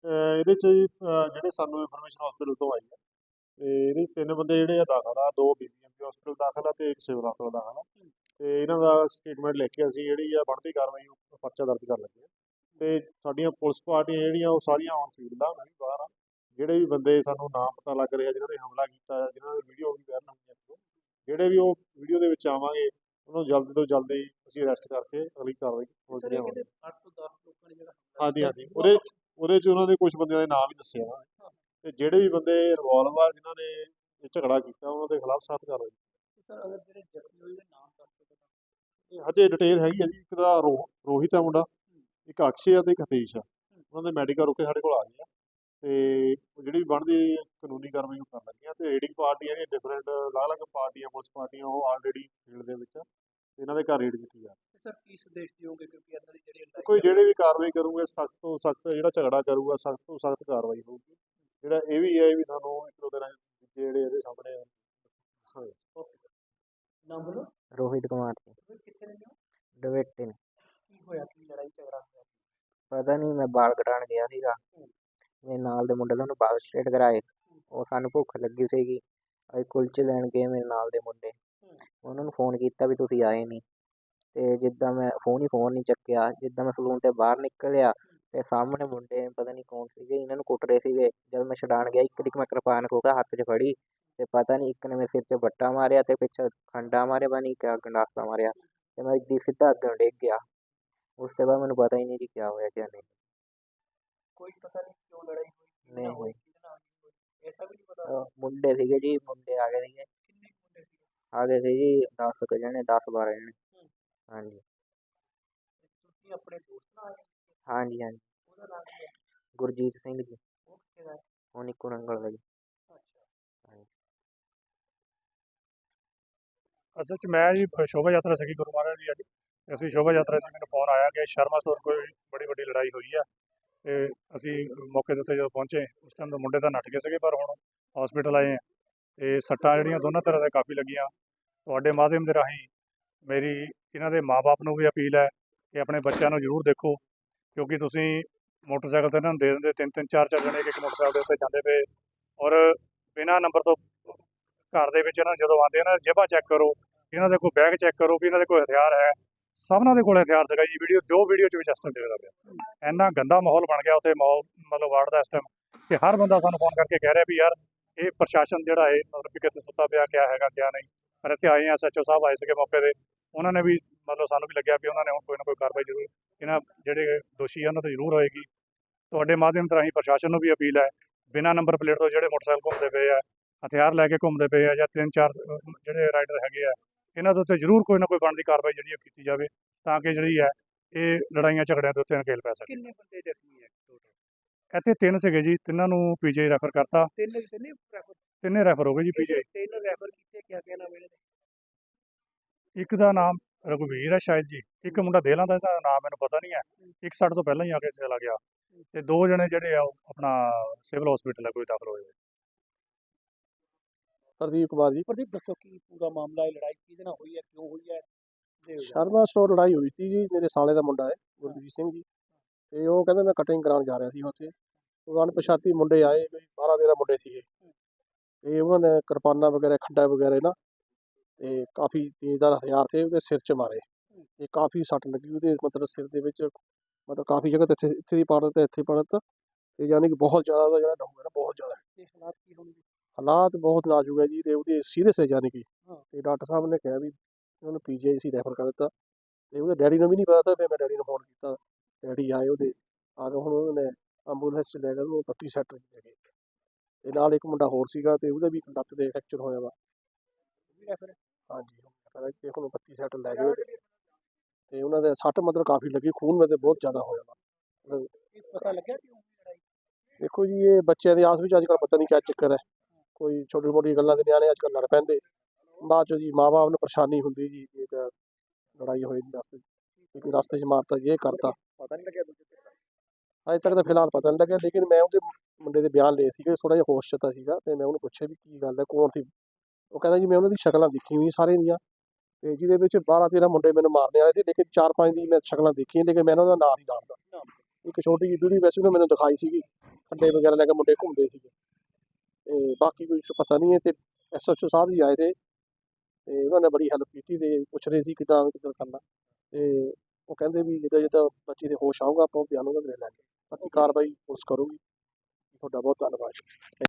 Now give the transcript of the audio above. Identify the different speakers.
Speaker 1: ਇਹਦੇ 'ਚ ਜੀ ਜਿਹੜੇ ਸਾਨੂੰ ਇਨਫੋਰਮੇਸ਼ਨ ਹਸਪੀਟਲ ਤੋਂ ਆਈ ਹੈ ਤੇ ਇਹਦੇ 'ਚ 3 ਬੰਦੇ ਜਿਹੜੇ ਆ ਦਾਖਲ ਆ, 2 ਬੀਬੀਐਮਪੀ ਹਸਪੀਟਲ ਦਾਖਲ ਆ ਤੇ 1 ਸਿਵਲ ਹਸਪਤਾਲ ਦਾਖਲ ਆ। ਤੇ ਇਹਨਾਂ ਦਾ ਸਟੇਟਮੈਂਟ ਲਿਖ ਕੇ ਅਸੀਂ ਜਿਹੜੀ ਆ ਬਣਦੀ ਕਾਰਵਾਈ ਪਰਚਾ ਦਰਜ ਕਰ ਲੱਗੇ ਆ। ਤੇ ਸਾਡੀਆਂ ਪੁਲਿਸ ਪਾਰਟੀਆਂ ਜਿਹੜੀਆਂ ਉਹ ਸਾਰੀਆਂ ਔਨ ਫੀਲਡ ਆ, ਮੈਂ ਵੀ ਬਾਹਰ ਆ। ਜਿਹੜੇ ਵੀ ਬੰਦੇ ਸਾਨੂੰ ਨਾਮ ਪਤਾ ਲੱਗ ਰਿਹਾ ਜਿਨ੍ਹਾਂ ਨੇ ਹਮਲਾ ਕੀਤਾ, ਜਿਨ੍ਹਾਂ ਦੀ ਵੀਡੀਓ ਵੀ ਵਾਇਰਲ ਹੋਈਆਂ ਨੇ, ਜਿਹੜੇ ਵੀ ਉਹ ਵੀਡੀਓ ਦੇ ਵਿੱਚ ਆਵਾਂਗੇ ਉਹਨੂੰ ਜਲਦੀ ਤੋਂ ਜਲਦੀ ਅਸੀਂ ਅਰੈਸਟ ਕਰਕੇ ਅਗਲੀ ਕਾਰਵਾਈ
Speaker 2: ਸਰ
Speaker 1: ਜਿਹੜੀ
Speaker 2: ਇਹ
Speaker 1: ਹੋਣੀ।
Speaker 2: ਕਹਿੰਦੇ 8 ਤੋਂ 10 ਲੋਕਾਂ ਨੇ ਜਿਹੜਾ
Speaker 1: ਹਾਂਜੀ ਹਾਂਜੀ, ਉਹਦੇ 'ਚ ਉਹਨਾਂ ਦੇ ਕੁਝ ਬੰਦਿਆਂ ਦੇ ਨਾਮ ਵੀ ਦੱਸੇ ਆ ਤੇ ਜਿਹੜੇ ਵੀ ਬੰਦੇ ਇਨਵੋਲਵ ਆ ਜਿਨ੍ਹਾਂ ਨੇ ਇਹ ਝਗੜਾ ਕੀਤਾ ਉਹਨਾਂ ਦੇ ਖਿਲਾਫ ਸਖਤ ਕਾਰਵਾਈ।
Speaker 2: ਸਰ ਅਗਰ ਜਿਹੜੇ ਜ਼ਖਮੀ ਹੋਏ ਦੇ ਨਾਮ ਦੱਸ ਦਿਓ ਤਾਂ।
Speaker 1: ਹਜੇ ਡਿਟੇਲ ਹੈਗੀ ਆ ਜੀ, ਇੱਕ ਦਾ ਰੋਹਿਤ ਆ ਮੁੰਡਾ, ਇੱਕ ਅਕਸ਼ੇ ਆ ਤੇ ਇੱਕ ਹਤੀਸ਼ ਆ। ਉਹਨਾਂ ਦੇ ਮੈਡੀਕਲ ਰੁਕੇ ਸਾਡੇ ਕੋਲ ਆ ਗਏ ਆ ਤੇ ਜਿਹੜੀ ਵੀ ਬਣਦੀ ਕਾਨੂੰਨੀ ਕਾਰਵਾਈ ਉਹ ਕਰਨ ਲੱਗੇ ਆ। ਤੇ ਰੇਡਿੰਗ ਪਾਰਟੀ ਜਿਹੜੀਆਂ ਡਿਫਰੈਂਟ ਅਲੱਗ-ਅਲੱਗ ਪਾਰਟੀਆਂ, ਪੁਲਿਸ ਪਾਰਟੀਆਂ, ਉਹ ਆਲਰੇਡੀ ਫੀਲਡ ਦੇ ਵਿੱਚ ਆ। ਇਹਨਾਂ ਦੇ ਘਰ ਰੇਡ ਕੀਤੀ ਜਾ ਰਹੀ।
Speaker 2: ਸਰ ਕੀ ਸੰਦੇਸ਼ ਦਿਓਗੇ ਕਿਉਂਕਿ ਇਹਨਾਂ ਦੀ ਜਿਹੜੀ
Speaker 1: ਕੋਈ ਜਿਹੜੇ ਵੀ ਕਾਰਵਾਈ ਕਰੂਗੇ ਸਖਤ ਤੋਂ ਸਖਤ, ਜਿਹੜਾ ਝਗੜਾ ਕਰੂਗਾ ਸਖਤ ਤੋਂ ਸਖਤ ਕਾਰਵਾਈ ਹੋਊਗੀ। ਜਿਹੜਾ ਇਹ ਵੀ ਹੈ ਵੀ ਸਾਨੂੰ ਇੱਕ ਦੋ ਦਿਨਾਂ ਜਿਹੜੇ ਇਹਦੇ ਸਾਹਮਣੇ
Speaker 2: ਓਕੇ ਸਰ ਨਾਮ ਬੋਲੋ।
Speaker 3: रोहित कुमार जी,
Speaker 2: ਕਿੱਥੇ ਰਹਿੰਦੇ ਹੋ?
Speaker 3: डवेटे ने।
Speaker 2: ਕੀ ਹੋਇਆ ਕੀ ਲੜਾਈ ਝਗੜਾ ਹੋਇਆ?
Speaker 3: पता नहीं, मैं बाल कटाण गया सीगा, ਮੇਰੇ ਨਾਲ ਦੇ ਮੁੰਡੇ ਨੇ ਉਹਨੂੰ ਬਾਲ ਸਟ੍ਰੇਟ ਕਰਾਏ। ਉਹ ਸਾਨੂੰ ਭੁੱਖ ਲੱਗੀ ਸੀਗੀ, ਅਸੀਂ ਕੁਲਚੇ ਲੈਣ ਗਏ ਮੇਰੇ ਨਾਲ ਦੇ ਮੁੰਡੇ। ਉਹਨਾਂ ਨੂੰ ਫੋਨ ਕੀਤਾ ਵੀ ਤੁਸੀਂ ਆਏ ਨਹੀਂ, ਤੇ ਜਿੱਦਾਂ ਮੈਂ ਫੋਨ ਨਹੀਂ ਚੱਕਿਆ। ਜਿੱਦਾਂ ਮੈਂ ਸਲੂਨ ਤੇ ਬਾਹਰ ਨਿਕਲਿਆ ਤੇ ਸਾਹਮਣੇ ਮੁੰਡੇ ਪਤਾ ਨਹੀਂ ਕੌਣ ਸੀਗੇ, ਇਹਨਾਂ ਨੂੰ ਕੁੱਟ ਰਹੇ ਸੀਗੇ। ਜਦ ਮੈਂ ਛਡਾਣ ਗਿਆ ਇੱਕ ਦੀ ਮੈਂ ਕਿਰਪਾਨ ਖੋਕਾ ਹੱਥ 'ਚ ਫੜੀ ਤੇ ਪਤਾ ਨਹੀਂ ਇੱਕ ਨੇ ਮੇਰੇ ਸਿਰ 'ਤੇ ਬੱਟਾ ਮਾਰਿਆ ਤੇ ਪਿੱਛੇ ਖੰਡਾ ਮਾਰਿਆ, ਪਤਾ ਨਹੀਂ ਕਿਆ ਗੰਡਾਸਾ ਮਾਰਿਆ ਤੇ ਮੈਂ ਇੱਦਾਂ ਸਿੱਧਾ ਅੱਗੇ ਡਿੱਗ ਗਿਆ। ਉਸ ਤੋਂ ਬਾਅਦ ਮੈਨੂੰ ਪਤਾ ਹੀ ਨਹੀਂ ਜੀ ਕਿਆ ਹੋਇਆ ਕਿਆ ਨਹੀਂ।
Speaker 2: ਕੋਈ ਪਤਾ ਨਹੀਂ ਕਿਉਂ ਲੜਾਈ ਹੋਈ?
Speaker 3: ਨਹੀਂ ਹੋਈ।
Speaker 2: ਕਿਹਦੇ ਨਾਲ ਹੋਈ ਐਸਾ ਵੀ ਨਹੀਂ ਪਤਾ।
Speaker 3: ਮੁੰਡੇ ਸੀਗੇ ਜੀ, ਮੁੰਡੇ ਆ ਗਏ ਸੀਗੇ,
Speaker 2: ਕਿੰਨੇ ਕੁ ਮੁੰਡੇ ਸੀ?
Speaker 3: ਆ ਗਏ ਸੀ ਜੀ 10 ਕੁ ਜਣੇ, 10-12 ਜਣੇ। ਹਾਂਜੀ
Speaker 2: ਤੁਸੀਂ ਆਪਣੇ ਦੋਸਤ ਨਾਲ ਆਏ?
Speaker 3: ਹਾਂਜੀ ਹਾਂਜੀ।
Speaker 2: ਉਹਦਾ ਨਾਮ ਕੀ ਹੈ?
Speaker 3: ਗੁਰਜੀਤ ਸਿੰਘ ਜੀ,
Speaker 2: ਉਹ ਕਿੱਥੇ ਦਾ ਹੈ?
Speaker 3: ਉਹ ਨਿੱਕੂ ਨੰਗਲ ਦਾ ਜੀ।
Speaker 2: ਅੱਛਾ
Speaker 3: ਹਾਂਜੀ
Speaker 4: ਅਸਲ 'ਚ ਮੈਂ ਜੀ ਸ਼ੋਭਾ ਯਾਤਰਾ ਸੀਗੀ ਗੁਰੂ ਮਹਾਰਾਜ ਦੀ ਅੱਜ। ਅਸੀਂ ਸ਼ੋਭਾ ਯਾਤਰਾ 'ਚ ਮੈਨੂੰ ਫੋਨ ਆਇਆ ਕਿ ਸ਼ਰਮਾ ਸਟੋਰ ਕੋਈ ਬੜੀ ਵੱਡੀ ਲੜਾਈ ਹੋਈ ਆ ਤੇ ਅਸੀਂ ਮੌਕੇ ਦੇ ਉੱਤੇ ਜਦੋਂ ਪਹੁੰਚੇ ਉਸ ਟਾਈਮ ਤਾਂ ਮੁੰਡੇ ਤਾਂ ਨੱਠ ਗਏ ਸੀਗੇ, ਪਰ ਹੁਣ ਹਸਪੀਟਲ ਆਏ ਆ ਤੇ ਸੱਟਾਂ ਜਿਹੜੀਆਂ ਦੋਨਾਂ ਤਰ੍ਹਾਂ ਦੇ ਕਾਫੀ ਲੱਗੀਆਂ। ਤੁਹਾਡੇ ਮਾਧਿਅਮ ਦੇ ਰਾਹੀਂ ਮੇਰੀ ਇਹਨਾਂ ਦੇ ਮਾਪੇ ਨੂੰ ਵੀ ਅਪੀਲ ਹੈ ਕਿ ਆਪਣੇ ਬੱਚਿਆਂ ਨੂੰ ਜ਼ਰੂਰ ਦੇਖੋ, ਕਿਉਂਕਿ ਤੁਸੀਂ ਮੋਟਰਸਾਈਕਲ ਤੇ ਇਹਨਾਂ ਨੂੰ ਦੇ ਦਿੰਦੇ, 3-3 4-4 ਜਣੇ ਇੱਕ ਮੋਟਰਸਾਈਕਲ ਦੇ ਉੱਤੇ ਜਾਂਦੇ ਪਏ ਔਰ ਬਿਨਾਂ ਨੰਬਰ ਤੋਂ ਘਰ ਦੇ ਵਿੱਚ ਇਹਨਾਂ ਜਦੋਂ ਆਉਂਦੇ ਇਹਨਾਂ ਦੀ ਜੇਬਾਂ ਚੈੱਕ ਕਰੋ, ਇਹਨਾਂ ਦੇ ਕੋਈ ਬੈਗ ਚੈੱਕ ਕਰੋ ਵੀ ਇਹਨਾਂ ਦੇ ਕੋਈ ਹਥਿਆਰ ਹੈ। ਸਭਨਾਂ ਦੇ ਕੋਲ ਹਥਿਆਰ ਸੀਗਾ ਜੀ। ਜੋ ਵੀਡੀਓ 'ਚ ਵੀ ਇਸ ਟਾਈਮ ਦੇਖਦਾ ਪਿਆ, ਇੰਨਾ ਗੰਦਾ ਮਾਹੌਲ ਬਣ ਗਿਆ ਉੱਥੇ ਮਾਹੌਲ ਮਤਲਬ ਵਾਰਡ ਦਾ ਇਸ ਟਾਈਮ ਕਿ ਹਰ ਬੰਦਾ ਸਾਨੂੰ ਫੋਨ ਕਰਕੇ ਕਹਿ ਰਿਹਾ ਵੀ ਯਾਰ ਇਹ ਪ੍ਰਸ਼ਾਸਨ ਜਿਹੜਾ ਹੈ ਮਤਲਬ ਕਿ ਕਿਤੇ ਸੁੱਤਾ ਪਿਆ ਕਿਆ ਹੈਗਾ ਕਿਆ ਨਹੀਂ। ਪਰ ਇੱਥੇ ਆਏ ਆ, SHO ਸਾਹਿਬ ਆਏ ਸੀਗੇ ਮੌਕੇ 'ਤੇ, ਉਹਨਾਂ ਨੇ ਵੀ ਮਤਲਬ ਸਾਨੂੰ ਵੀ ਲੱਗਿਆ ਵੀ ਉਹਨਾਂ ਨੇ ਹੁਣ ਕੋਈ ਨਾ ਕੋਈ ਕਾਰਵਾਈ ਜ਼ਰੂਰ ਇਹਨਾਂ ਜਿਹੜੇ ਦੋਸ਼ੀ ਆ ਉਹਨਾਂ 'ਤੇ ਜ਼ਰੂਰ ਹੋਏਗੀ। ਤੁਹਾਡੇ ਮਾਧਿਅਮ ਰਾਹੀਂ ਪ੍ਰਸ਼ਾਸਨ ਨੂੰ ਵੀ ਅਪੀਲ ਹੈ, ਬਿਨਾਂ ਨੰਬਰ ਪਲੇਟ ਤੋਂ ਜਿਹੜੇ ਮੋਟਰਸਾਈਕਲ ਘੁੰਮਦੇ ਪਏ ਆ, ਹਥਿਆਰ ਲੈ ਕੇ ਘੁੰਮਦੇ ਪਏ ਆ ਜਾਂ 3-4 ਜਿਹੜੇ ਰਾਈਡਰ ਹੈਗੇ ਆ, ਇਹਨਾਂ ਦੇ ਉੱਤੇ ਜ਼ਰੂਰ ਕੋਈ ਨਾ ਕੋਈ ਬਣਦੀ ਕਾਰਵਾਈ ਜਿਹੜੀ ਕੀਤੀ ਜਾਵੇ ਤਾਂ ਕਿ ਜਿਹੜੀ ਹੈ ਇਹ ਲੜਾਈਆਂ ਝਗੜਿਆਂ ਦੇ ਉੱਤੇ ਨਕੇਲ ਪੈ ਸਕੇ।
Speaker 2: ਕਿੰਨੇ ਬੰਦੇ ਜ਼ਖਮੀ ਹੈ ਟੋਟਲ?
Speaker 4: ਇੱਥੇ 3 ਸੀਗੇ ਜੀ, ਤਿੰਨਾਂ ਨੂੰ PGI ਰੈਫਰ ਕਰਤਾ। ਤਿੰਨੇ ਰੈਫਰ ਹੋ ਗਏ ਜੀ PGI।
Speaker 2: ਤਿੰਨ ਰੈਫਰ ਕੀਤੇ ਕਿਆ ਕਹਿਣਾ ਮੇਰੇ?
Speaker 4: ਇੱਕ ਦਾ ਨਾਮ ਰਘੁਵੀਰ ਹੈ ਸ਼ਾਇਦ ਜੀ, ਇੱਕ ਮੁੰਡਾ ਦੇਲਾਂ ਦਾ, ਇਹਦਾ ਨਾਮ ਮੈਨੂੰ ਪਤਾ ਨਹੀਂ ਹੈ। ਇੱਕ ਸਾਡੇ ਤੋਂ ਪਹਿਲਾਂ ਹੀ ਆ ਕੇ ਚਲਾ ਗਿਆ ਤੇ 2 ਜਣੇ ਜਿਹੜੇ ਆ ਉਹ ਆਪਣਾ ਸਿਵਲ ਹਸਪੀਟਲ ਹੈ ਕੋਈ ਦਾਖਲ ਹੋਏ।
Speaker 5: ਪ੍ਰਦੀਪ ਕੁਮਾਰ ਜੀ।
Speaker 2: ਪ੍ਰਦੀਪ ਦੱਸੋ ਕੀ ਪੂਰਾ ਮਾਮਲਾ ਹੈ, ਲੜਾਈ ਕਿਹਦੇ ਨਾਲ ਹੋਈ ਹੈ, ਕਿਉਂ ਹੋਈ ਹੈ?
Speaker 5: ਸ਼ਰਮਾ ਸਟੋਰ ਲੜਾਈ ਹੋਈ ਸੀ ਜੀ, ਮੇਰੇ ਸਾਲੇ ਦਾ ਮੁੰਡਾ ਹੈ ਗੁਰਜੀਤ ਸਿੰਘ ਜੀ, ਤੇ ਉਹ ਕਹਿੰਦਾ ਮੈਂ ਕਟਿੰਗ ਕਰਾਉਣ ਜਾ ਰਿਹਾ ਸੀ ਉੱਥੇ। ਉਹ ਅਣਪਛਾਤੀ ਮੁੰਡੇ ਆਏ, 12-13 ਮੁੰਡੇ ਸੀਗੇ ਤੇ ਉਹਨਾਂ ਨੇ ਕਿਰਪਾਨਾਂ ਵਗੈਰਾ, ਖੱਡਾ ਵਗੈਰਾ ਨਾ ਤੇ ਕਾਫੀ ਤੇਜ਼ਦਾਰ ਹਥਿਆਰ ਤੇ ਉਹਦੇ ਸਿਰ 'ਚ ਮਾਰੇ ਤੇ ਕਾਫੀ ਸੱਟ ਲੱਗੀ ਉਹਦੇ, ਮਤਲਬ ਸਿਰ ਦੇ ਵਿੱਚ, ਮਤਲਬ ਕਾਫੀ ਜਗ੍ਹਾ ਤੇ ਇੱਥੇ ਦੀ ਪਾੜ ਦਿੱਤਾ, ਇੱਥੇ ਪਾੜ ਦਿੱਤਾ ਤੇ ਯਾਨੀ ਕਿ ਬਹੁਤ ਜ਼ਿਆਦਾ ਉਹਦਾ ਜਿਹੜਾ ਡਾਊਨ ਹੈ ਨਾ ਬਹੁਤ ਜ਼ਿਆਦਾ।
Speaker 2: ਤੇ ਹਾਲਾਤ ਕੀ ਹੋਣਗੇ?
Speaker 5: ਹਾਲਾਤ ਬਹੁਤ ਨਾਜ਼ੁਕ ਹੈ ਜੀ ਤੇ ਉਹਦੇ ਸੀਰੀਅਸ ਹੈ ਯਾਨੀ ਕਿ, ਤੇ ਡਾਕਟਰ ਸਾਹਿਬ ਨੇ ਕਿਹਾ ਵੀ ਉਹਨੂੰ PGI ਅਸੀਂ ਰੈਫਰ ਕਰ ਦਿੱਤਾ। ਤੇ ਉਹਦੇ ਡੈਡੀ ਨੂੰ ਵੀ ਨਹੀਂ ਪਤਾ, ਫਿਰ ਮੈਂ ਡੈਡੀ ਨੂੰ ਫੋਨ ਕੀਤਾ, ਡੈਡੀ ਆਏ ਉਹਦੇ, ਆ ਕੇ ਹੁਣ ਉਹਨੇ ਐਂਬੂਲੈਂਸ 'ਚ ਲੈ ਕੇ ਉਹਨੂੰ 32 ਸੈਕਟਰ ਲੈ ਗਏ ਤੇ ਨਾਲ ਇੱਕ ਮੁੰਡਾ ਹੋਰ ਸੀਗਾ ਤੇ ਉਹਦੇ ਵੀ ਲੱਤ ਦੇ ਫ੍ਰੈਕਚਰ ਹੋਇਆ ਵਾ। ਹਾਂਜੀ ਤੇ ਹੁਣ 32 ਸੈਕਟਰ ਲੈ ਗਏ ਤੇ ਉਹਨਾਂ ਦੇ ਸੱਟ ਮਤਲਬ ਕਾਫੀ ਲੱਗੀ, ਖੂਨ ਵਿੱਚ ਬਹੁਤ ਜ਼ਿਆਦਾ ਹੋਇਆ ਵਾ।
Speaker 2: ਪਤਾ ਲੱਗਿਆ ਕਿਉਂ ਲੜਾਈ?
Speaker 5: ਦੇਖੋ ਜੀ ਇਹ ਬੱਚਿਆਂ ਦੇ ਆਸ ਵਿੱਚ ਅੱਜ ਕੱਲ੍ਹ ਪਤਾ ਨਹੀਂ ਕਿਆ ਚੱਕਰ ਹੈ, ਕੋਈ ਛੋਟੀ ਮੋਟੀ ਗੱਲਾਂ ਦੇ ਨਿਆਣੇ ਅੱਜ ਕੱਲ੍ਹ ਲੜ ਪੈਂਦੇ, ਬਾਅਦ 'ਚ ਜੀ ਮਾਂ ਬਾਪ ਨੂੰ ਪਰੇਸ਼ਾਨੀ ਹੁੰਦੀ ਜੀ, ਇੱਕ ਲੜਾਈ ਹੋਈ ਰਸਤੇ 'ਚ, ਇੱਕ ਰਸਤੇ 'ਚ ਮਾਰਤਾ ਜੀ, ਇਹ ਕਰਤਾ।
Speaker 2: ਪਤਾ ਨਹੀਂ ਲੱਗਿਆ ਦੂਜੇ
Speaker 5: ਅਜੇ ਤੱਕ ਤਾਂ ਫਿਲਹਾਲ ਪਤਾ ਨਹੀਂ ਲੱਗਿਆ, ਲੇਕਿਨ ਮੈਂ ਉਹਦੇ ਮੁੰਡੇ ਦੇ ਬਿਆਨ ਲਏ ਸੀਗੇ, ਥੋੜ੍ਹਾ ਜਿਹਾ ਹੋਸ਼ 'ਚ ਤਾਂ ਸੀਗਾ ਤੇ ਮੈਂ ਉਹਨੂੰ ਪੁੱਛਿਆ ਵੀ ਕੀ ਗੱਲ ਹੈ, ਕੌਣ ਸੀ? ਉਹ ਕਹਿੰਦਾ ਜੀ ਮੈਂ ਉਹਨਾਂ ਦੀ ਸ਼ਕਲਾਂ ਦੇਖੀ ਹੋਈ ਸਾਰਿਆਂ ਦੀਆਂ ਤੇ ਜਿਹਦੇ ਵਿੱਚ 12-13 ਮੁੰਡੇ ਮੈਨੂੰ ਮਾਰਨੇ ਵਾਲੇ ਸੀ, ਲੇਕਿਨ 4-5 ਦੀ ਮੈਂ ਸ਼ਕਲਾਂ ਦੇਖੀਆਂ, ਲੇਕਿਨ ਮੈਂ ਉਹਨਾਂ ਦਾ ਨਾਂ ਨਹੀਂ ਜਾਣਦਾ। ਇੱਕ ਛੋਟੀ ਜਿਹੀ ਵੀਡੀਓ ਵੈਸੇ ਉਹਨੇ ਮੈਨੂੰ ਦਿਖਾਈ ਸੀਗੀ ਖੱਡੇ ਵਗੈਰਾ ਲੈ ਕੇ ਮੁੰਡੇ ਘੁੰਮਦੇ ਸੀਗੇ ਤੇ ਬਾਕੀ ਕੋਈ ਪਤਾ ਨਹੀਂ ਹੈ। ਤੇ SHO ਸਾਹਿਬ ਵੀ ਆਏ ਤੇ ਉਹਨਾਂ ਨੇ ਬੜੀ ਹੈਲਪ ਕੀਤੀ ਤੇ ਪੁੱਛ ਰਹੇ ਸੀ ਕਿੱਦਾਂ ਕਰਨਾ ਤੇ ਉਹ ਕਹਿੰਦੇ ਵੀ ਜਿੱਦਾਂ ਬੱਚੀ ਦੇ ਹੋਸ਼ ਆਊਗਾ ਆਪਾਂ ਬਿਆਨ ਉਹਨਾਂ ਦੇ ਲੈ ਕੇ ਬਾਕੀ ਕਾਰਵਾਈ ਪੁਲਿਸ ਕਰੂਗੀ। ਤੁਹਾਡਾ ਬਹੁਤ ਧੰਨਵਾਦ।